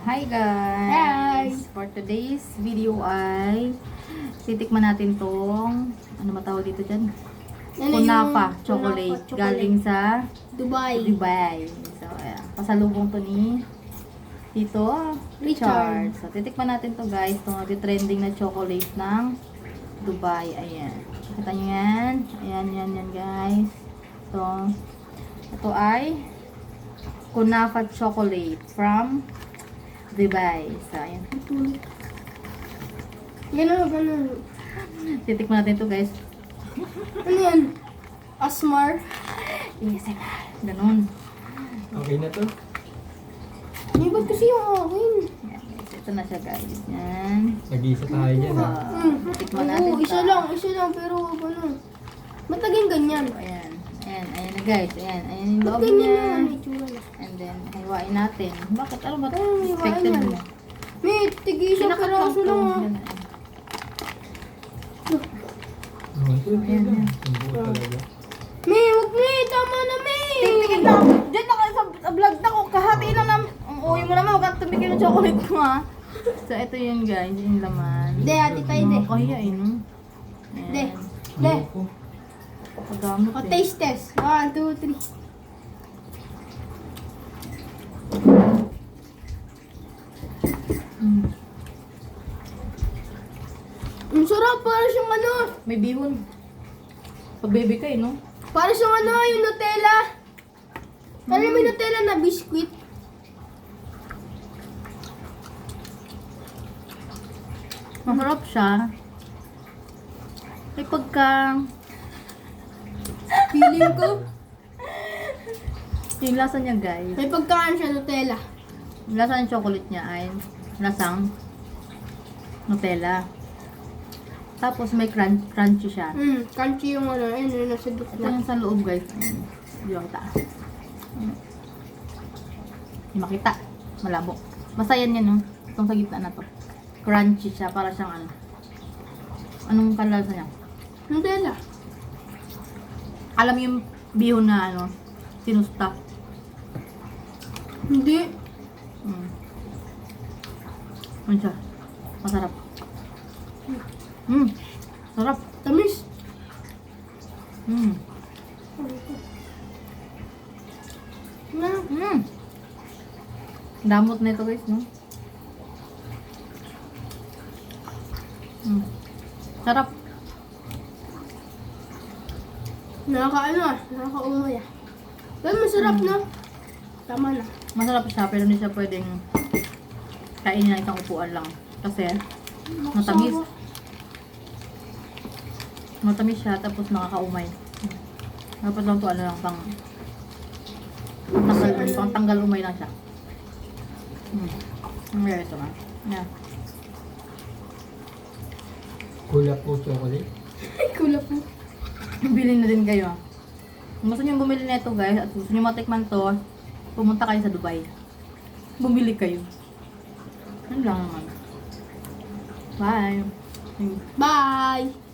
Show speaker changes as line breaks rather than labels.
Hi guys! For today's video ay titikman natin tong ano matawag dito dyan? Kunafa chocolate galing sa Dubai. So, ayan. Pasalubong to ni Tito Richard. So, titikman natin to guys. Itong trending na chocolate ng Dubai. Ayan. Kita nyo yan? Ayan, yan guys. Ito ay Kunafa chocolate from Dubai. So, ayan.
Ganun.
Titikman natin to guys.
Ano yan? Asmar?
ASMR. Ganun.
Okay na to?
Hindi ba't kasi yung akin?
Ayan guys. Ito na siya guys. Yan.
Nag-iisa tayo dyan ha.
Titikman natin
Oo, isa lang. Pero ano? Ba't naging ganyan?
So, ayan. Ayan na guys. Ayan yung
Ba't
loob
ganyan
niya.
yan? May tsura na.
And then, hiwain natin. Bakit? Ano ba?
Hiwain
Expected
yan.
mo.
May tig-isang peraso lang ah.
Yan,
Oh, ito
Ayan,
lang.
ayan.
Ang buo talaga.
May, wag May! Tama na May!
Tingin lang. Diyan na kayo sa vlog na ko. Kahati lang naman. Ang uwi mo naman. Huwag kang tumigil ng chocolate ko ha. So, ito yun guys. Yung laman.
De, ati tayo de.
Kaya eh, no?
De.
Ayan.
De.
Ayoko.
Pagamot
O,
eh.
taste test. 1, 2, 3.
Mm.
Ang sarap, para siyang ano.
May bihon. Pag baby ka eh, no?
Para siyang ano, yung Nutella. Alam mo yung Nutella na biscuit?
Masarap siya. May pagka...
Feeling ko.
Yung lasa niya guys.
May pagkaan siya Nutella.
Yung lasa ng chocolate niya ay lasang Nutella. Tapos may crunchy siya.
Crunchy yung ano, ayun, yung nasa
Ito
gitna.
yung sa loob guys. Ayan. Hindi ko kita. Hindi makita. Malabo. Basta yan no? Itong sa gitna na to. Crunchy siya. Para siyang ano. Anong kalasa niya?
Nutella.
Alam mo yung bihon na ano, sinusta.
Hindi.
Ano siya? Masarap. Sarap.
Tamis. Na.
Damot na ito guys, no? Sarap.
Nakakaano ah. Nakakaumay ah. Pero masarap na. Tama na.
Masarap siya, pero hindi siya pwedeng kainin ng isang upuan lang. Kasi, matamis. Matamis siya, tapos nakakaumay. Dapat lang ito, ano lang, pang tanggal umay lang siya. Ito na. Yeah.
Kulap po chocolate.
Kulap mo.
Bilhin na din kayo. Kung gusto nyo bumili nito guys, at gusto nyo matikman to, pumunta kayo sa Dubai. Bumili kayo. Yan lang naman. Bye.
Bye!